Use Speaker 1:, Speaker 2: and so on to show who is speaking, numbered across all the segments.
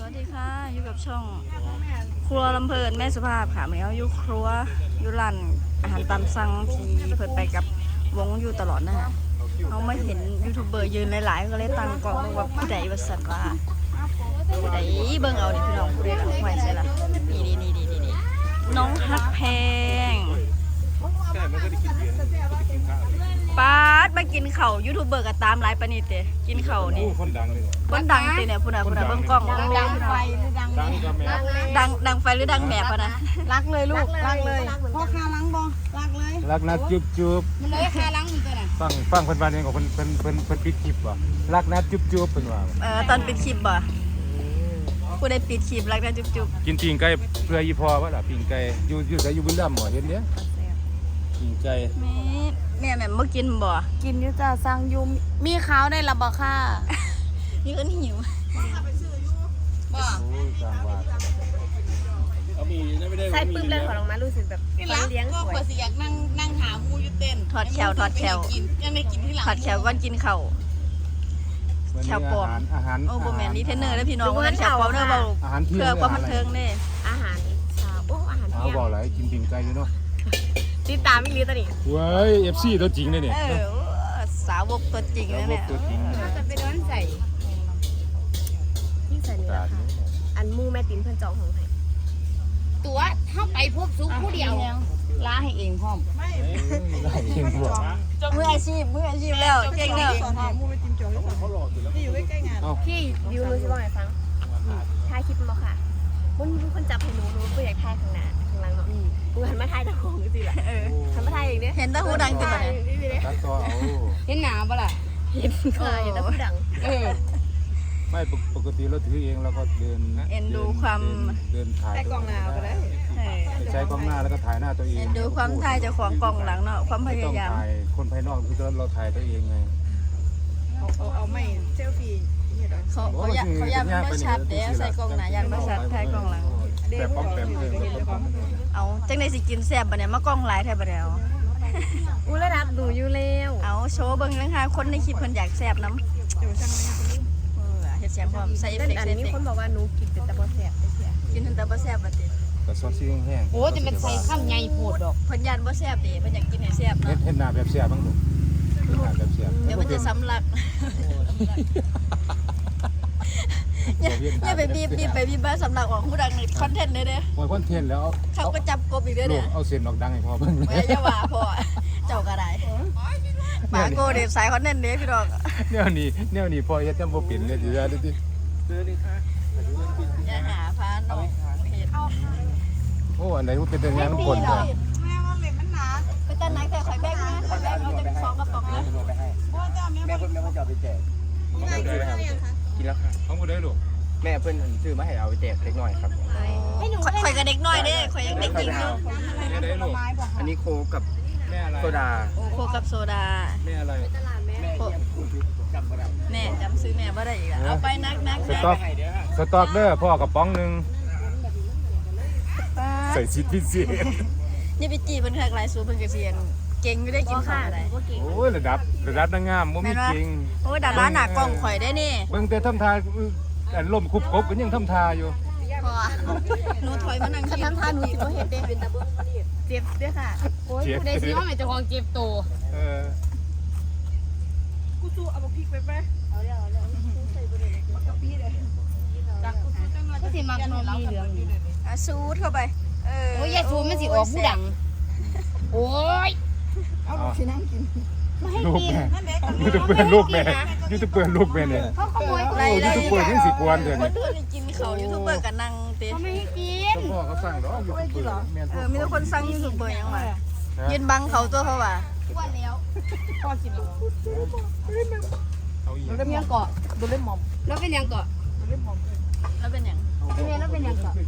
Speaker 1: วัสดีค่ะอยู่กับช่องครัวลำเพลินแม่สุภาพค่ะวันนี้เราอยู่ครัวอยู่ร้านอาหารตามสั่งที่เพิ่นไปกับวงอยู่ตลอดนะฮะเราไม่เห็นยูทูบเบอร์ยืนหลายๆก็เลยตั้งกล้องดูว่าผู้ใดว่าสันว่าผู้ใดเบิ่งเอานี่พี่น้องผู้ใดหลังไว้ใช่ละนี่น้องฮักแพงป้าดมากินเข่ายูทูบเบอร์ก็ตามไลฟ์ปานิเตกินเข่านี่
Speaker 2: คนดังเลย
Speaker 1: คนดังตีเนี่ยพูดนะเบิ่งกล้อง
Speaker 3: ดังไฟหรือดังแม่
Speaker 1: ดังไฟหรือดังแหมพะนะ
Speaker 3: รักเลยลูกรักเลยพ่อคาล้างบ่รักเลย
Speaker 2: รักนะจุ๊บจุ๊บ
Speaker 3: มันเลยคาล้างอยู่ตัวน่ะ
Speaker 2: ฟังเพิ่นว่าเนี่ยของเพิ่นปิดคลิปว่ะรักนะจุ๊บจุ๊บเพิ่นว่า
Speaker 1: ตอนปิดคลิปบ่ผู้ใดปิดคลิปรักนะจุ๊บ
Speaker 2: กินปิ้งไก่เพื่ออีพอว่าล่ะปิ้งไก่อยู่ไสอยู่บุรีรัมย์บ่เห็นเด้ปิ้งไก่
Speaker 1: แม่บ่กินบ่
Speaker 3: กินอยู่จ้าสั่งอยู่มีข้าวได้ละบ่ค่ะ
Speaker 1: นี่ก็หิว
Speaker 2: โอ้ยสร้างว่าเอามีไม่ได้
Speaker 3: ใส่ปื้มเลยขอลงมารู้สึกแบบเลี้ยงสวย
Speaker 4: ก็สิอยากนั่งหามูอยู่เต้น
Speaker 1: ถอดแขว
Speaker 4: ยังได้กินที่หลัง
Speaker 1: ถอดแขวก่อนกินข้าว แถวปอม
Speaker 2: อาหาร
Speaker 1: โอ้บ่แม่นรีเทนเนอร์เด้อพี่น้องว่าแขวปอมเด้อเว้า
Speaker 2: อาหารเที่ยง
Speaker 1: เพื่อความบันเทิงเด้
Speaker 3: อาหารเช้าโอ้อาหาร
Speaker 2: เอา
Speaker 3: เที่ยง
Speaker 2: บ่หลายกินปิ้งไก่อยู่เนาะ
Speaker 3: ติดตามอีกลีตอนนี้
Speaker 2: เว้ย FC ตัวจริงเลยเนี่ย
Speaker 1: สาวกตัวจริงนะเนี่ย
Speaker 2: ตัวจริง
Speaker 3: เราจะไปโดนใส่ที่ใส่นี่แหละค่ะอันมูแม่ติ๋มเพิ่นจองของให้
Speaker 4: ตัวเข้าไปพบซุกผู้เดียว
Speaker 1: ล้าให้เองพร้อม
Speaker 2: ได้เองพวก
Speaker 1: มืออาชีพแล้วเก่งแล้ว
Speaker 3: พี่ดิวรู้สิว่าไงฟังถ่ายคลิปมาค่ะมันมีคนจับให้หนูก็อยากถ่ายข้างหน้าข้างหลังเนาะกูหันมาถ่ายตะโกนสิแหละหันมาถ่ายอย่างเนี้ย
Speaker 1: เห็นแตาหูดังติดบ่เนี่ย
Speaker 2: ตัดต่อเอา
Speaker 4: เห็นหนาบ่ล่ะ
Speaker 3: เห็นค่ะเห็นแต่ผู้ดัง
Speaker 2: ไม่ปกติเราถือเองแล้วก็เดิน
Speaker 1: เอ็นดูความ
Speaker 2: เดินถ่ายกล้องหน้าก็ได้ใช้กล้องหน้าแล้วก็ถ่ายหน้าตัวเอง
Speaker 1: เอ็นดูความถ่ายเจ้าของกล่องหลังเนาะความพ
Speaker 2: ไม่ต้อย
Speaker 1: าง ยาม
Speaker 2: ถ่ายคนภายนอกคือเราถ่ายตัวเองไง
Speaker 4: เอาไม่เซลฟี่
Speaker 1: เขาอยากมันบ่ชัดเด้ใส่กล่องหน้ายันบ่ชัดถ่ายกล่องหลัง
Speaker 2: แต่ป้อมแปมเพิ่มแต่ป้อม
Speaker 1: เอาจังได๋สิกินแซ่บบ่เนี่ยมากล้องหลายแท้บ่แล้ว
Speaker 3: อู้ระดับดูอยู่แล้ว
Speaker 1: เอาโชว์เบิ่งจังค่ะคนในคลิปเพิ่นอยากแซ่บนำเฮ็ดเสียงพร้อมใส่เอฟ
Speaker 3: นั่น
Speaker 1: เฟกต์
Speaker 3: อัน
Speaker 1: ใส่เอฟ
Speaker 3: นี้
Speaker 1: เฟก
Speaker 3: คน
Speaker 1: ต์
Speaker 3: บอกว่าหนูกินเป็นตะบอแสบ
Speaker 1: กินแต่บ่แซ่บบ่ติ
Speaker 2: แต่ซอสซีแห้ง
Speaker 4: โอ้จะเป็นใส่ข้ามใหญ่โพดดอก
Speaker 1: เพิ่นยันบ่แซ่บดิเพิ่นอยากกินให้แซ่บ
Speaker 2: เฮ็
Speaker 1: เนาะ
Speaker 2: ดเฮ็ดหน้าแบบเสียบ้างลูกเฮ็ดหน้าแบบเสีย
Speaker 1: เดี๋ยวมันจะสำลักอย่าไปบีบไปบีบมาสำลักออกหูดังในคอนเทนต์เด้อ
Speaker 2: โอ้ยคอนเทนต์แล้ว
Speaker 1: เขาก็จับกบอีกเด้อ
Speaker 2: ลู
Speaker 1: เนี่
Speaker 2: ก
Speaker 1: ย
Speaker 2: เอาเสียงดอกดังให้พ่อเบิ่ง
Speaker 1: ไม่จะว่าพอเจ้าก็ได้หมาโกเด็บสายคอนเทนต์เด้พี่ดอก
Speaker 2: แนวนี้พ่อเฮ็ดจำบ่เป็นเลยสิว่าดิ
Speaker 1: อย่าหาพาน้องเฮ็ด
Speaker 2: โอ้อันไหนมันเป็นแต่งานคนจ้ะ
Speaker 1: ไปตันไหนแต่ข่อยแบกนะข่อยแบกเอาจะ2กระป๋องนะ
Speaker 5: แม่เพิ่นจะเอาไปแจกกินแล้วค่ะ
Speaker 2: ของผู้ใดลูก
Speaker 5: แม่เพิ่นซื้อมาให้เอาไปแจกเล็กน้อยครับ
Speaker 1: ข่อยกับเด็กน้อยเด้ข่อยยังเด็กจริงอยู่
Speaker 2: แม่ใดลูก
Speaker 5: อันนี้โคกกับ
Speaker 2: แม่อะไร
Speaker 5: โซดา
Speaker 1: โอ้โคกับโซดา
Speaker 2: แม่อะไร
Speaker 1: โคแม่จำซื้อแม่บ่ได้อีกแล้วเอาไปนัก
Speaker 2: สต๊อกสต๊อกเด้อพ่อกระป๋องนึงใส่ชิดพิเศษ
Speaker 1: นี่ไปจีเพิ่นคักหลายสูเพิ่นก็เสียนเก่งอยู่ได้กินข้าวอะไร
Speaker 2: โอ้ยระดับนางงามบ่มีจริง
Speaker 1: โอ้ยดาราหน้ากล้องข่อยได้นี่
Speaker 2: เบิ่งแต่ทำทาอันล่มคุบกบก็ยังทำทาอยู่
Speaker 1: พอหนูถอยมานั่งกิน
Speaker 3: ทำทานหนูสิบ่เฮ็ดเด้เป็นตะเบิ่งเจ็บเด้อค่ะ
Speaker 4: โอ้ยผู้ใดสิว่าแม่เจ้าของเก็บโต
Speaker 2: เออ
Speaker 4: ก็สิมักนมมีเหลืองอยู่
Speaker 1: สูดเข้าไป
Speaker 4: โอ้ยยายชูมันสิออกผู้ดัง โอ้ย
Speaker 2: เอาลูกสินั่งกินลูกแม่ยูทูบเบอร์ลูกแม่เนี่ย
Speaker 4: เขาขโมย
Speaker 2: โอ้ยูทูบเบอร์ยังสิกวนเด้อ
Speaker 1: ค
Speaker 2: นี่
Speaker 1: นอื่นกินเขายูทูบเบอร์กันนั่งเตะ
Speaker 4: เขาไม่ให้กิน
Speaker 2: เจ้าพ่อเขาสั่งดอกยูทูบเบอร์แม่น
Speaker 1: มีแต่คนสั่งยูทูบเบอร์ยังวะยืนบังเขาตัวเขาว่ะ
Speaker 4: ว่าแล้วพ่อกินแล้ว
Speaker 2: เอาอีก
Speaker 4: แล้วเป็นยังเกาะดูเล่มหมอมแล้วเป็นยังเกาะ
Speaker 1: แล้วเป็นอย่าง
Speaker 4: เป็นยังแล้วเป็นยังเกาะ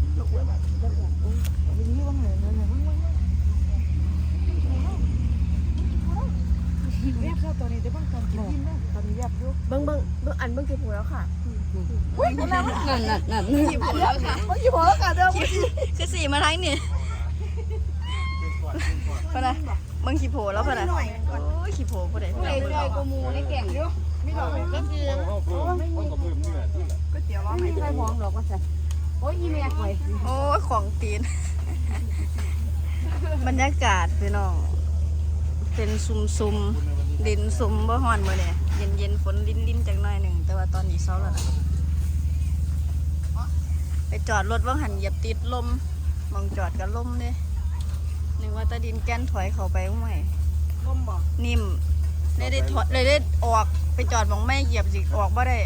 Speaker 3: เบิ่งอันเบิ่งกี่ผูแล้วค่ะ
Speaker 4: นั่น
Speaker 1: ขี่โผล่แล้วค่ะขี่โผล่แล้วค่ะเด้อคือสี่มาทั้งนี่พะนะมึงขี่โผล่แล้วพะนะโอ้ยขี่โผล่ผู้ใดผู้
Speaker 4: ผู้
Speaker 1: ใด
Speaker 4: ใดรวยกูมูได้แก่งอยู่ไม่หรอกก็คือ
Speaker 2: เอาเพิ่มเนื้อที่ละ
Speaker 4: ไม่มีใครมองหรอกว่าจะโอ้ยอีเมียไว้
Speaker 1: โอ้ยของตีน บรรยากาศพี่น้อง เป็นซุมๆดินซุมบ่ฮ้อนมื้อนี้เย็นๆฝนลิ้นๆจักหน่อยหนึงแต่ว่าตอนนี้เช้าแล้วนะไปจอดรถว่าหันเหยียบติดลมมองจอดกับลมเด้นึกว่าตะดินแก้นถอยเข้าไปบ่ไหมลมบ่นิ่มได้ถอยเลยได้ออกไปจอดมองไม่เหยียบสิออกบ่ได้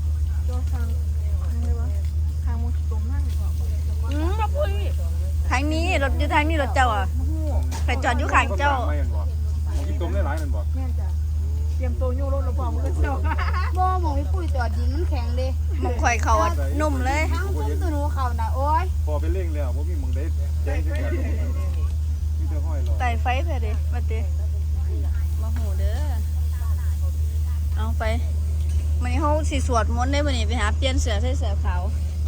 Speaker 3: มาพูด
Speaker 1: ทางนี้รถอยู่ทางนี้รถเจ้าอ่ะไปจอดอยู่ข้างเจ้า
Speaker 2: ไม่เห็นบ่ของกินต้มได้หลายนั่นบ่
Speaker 4: บ่มองพี่ปุ้ยจอดดินมันแข็งเด้
Speaker 1: มองข่อยเขาอ่ะนุ่มเลย
Speaker 4: ทางผมตัวหนูเขาน่ะโอ้ย
Speaker 2: พอไปเร่งแล้วบ่มีหม่องได้แจ้งจังซี่มีแต่ห้อยรอ
Speaker 1: ไต่ไฟไปดิมาติมาหูเด้อเอาไปมันนี้เขาสิสวดมนต์ได้บ่นี่ไปหาเปลี่ยนเสือใส่เสือขาว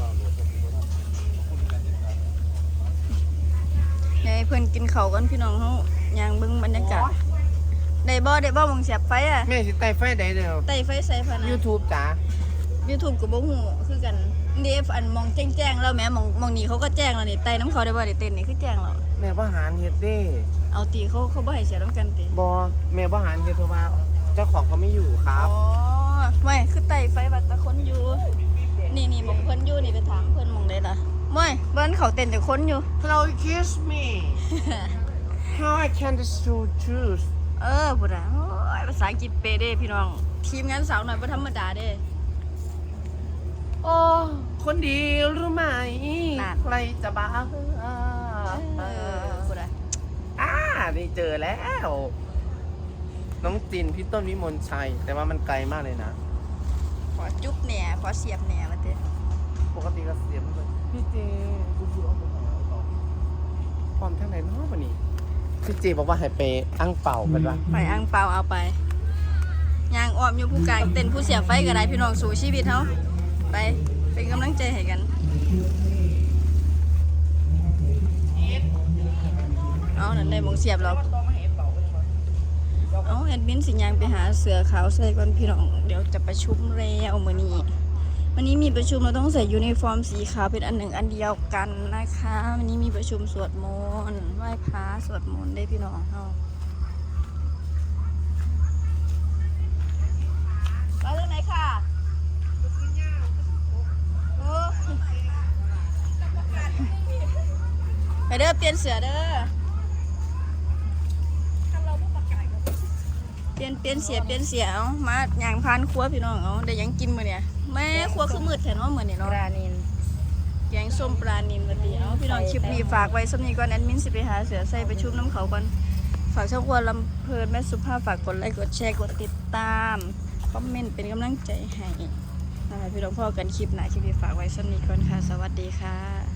Speaker 1: ยายเพิ่นกินข้าวกันพี่น้องเฮาย่างเบิ่งบรรยากาศได้บ่มองเสียบไฟอ่ะ
Speaker 5: แม่สิไต่ไฟได้เด้อ
Speaker 1: ไต่ไฟใส่พะนะ
Speaker 5: YouTube จ๋า
Speaker 1: YouTube ก็บ่ฮู้คือกันเดฟอันมองแจ้งๆแล้วแหม่มองนี่เขาก็แจ้งแล้วนี่ไต่น้ำเขาได้บ่ได้เต้นนี่คือแจ้งแล้ว
Speaker 5: แม่บ่หารเฮ็ดเด้
Speaker 1: เอาตีเขาบ่ให้เสียน้ำกันติ
Speaker 5: บ่แม่บ่หารเฮ็ดเพราะว่าเจ้าของเขาไม่อยู่ครั
Speaker 1: อ๋
Speaker 5: บ
Speaker 1: อไม่คือไต่ไฟบัดตะคนอยู่นี่มองเพิ่นอยู่นี่ไปถามเพิ่นมองได้ล่ะไม่เบิ่นเขาเต้นแต่คนอยู่
Speaker 5: Hello kiss me How I can do truth
Speaker 1: พุ่นน่ะโอ้ยภาษาอังกฤษเป๊ะเด้พี่น้องทีมงานสาวหน่อยบ่ธรรมดาเด้
Speaker 5: โอ้คนดีรู้ไหม
Speaker 1: นั่น
Speaker 5: ใครจะบ้า
Speaker 1: พุ่นน่ะ
Speaker 5: นี่เจอแล้ว น้องจินพี่ต้นวิมลชัย แต่ว่ามันไกลมากเลยนะ
Speaker 1: ขอจุ๊บแหน่ขอเสียบแหน่ว่าติ
Speaker 5: ปกติก็เสียมเลยพี่เจความท่านไหนเนาะวันนี้พี่เจบอกว่าให้ไปอั้งเป่ากันวะ
Speaker 1: ไปอังเปาเอาไปย่างอ้อมอยู่ผู้กลางเต้นผู้เสียบไฟก็ได้พี่น้องสู่ชีวิตเฮาไปเป็นกำลังใจให้กันเอานั่นได้หมองเสียบแล้วเอาแอดมินสิยางไปหาเสือขาวใส่ก่อนพี่น้องเดี๋ยวจะประชุมแล้วมื้อนี้วันนี้มีประชุมเราต้องใส่ยูนิฟอร์มสีขาวเป็นอันหนึ่งอันเดียวกันนะคะวันนี้มีประชุมสวดมนต์ไหว้พระสวดมนต์ได้พี่น้องเฮาไปทางไหนค่ะโอ้ไปเด้อเปลี่ยนเสือเด้อเปลี่ยนเสียเอามาย่างพานครัวพี่น้องเอาได้หยังกินมื้อเนี่ยแม่ครัวคือมืดแท้เนาะมื้อนี้
Speaker 4: ป
Speaker 1: เนาะ
Speaker 4: ลานิน
Speaker 1: แกงส้มปลานิลวันนี้เอาพี่น้องคลิปนี้ฝากไว้สำนีก่อนแอดมินสิไปหาเสือใส่ไปชุบน้ำเขาก่อนฝากช่องครัวลำเพลินแม่สุภาพฝากกดไลค์กดแชร์กดติดตามคอมเมนต์เป็นกำลังใจให้นะคะพี่น้องพ่อกันคลิปหน้าคลิปนี้ฝากไว้สำนีก่อนค่ะสวัสดีค่ะ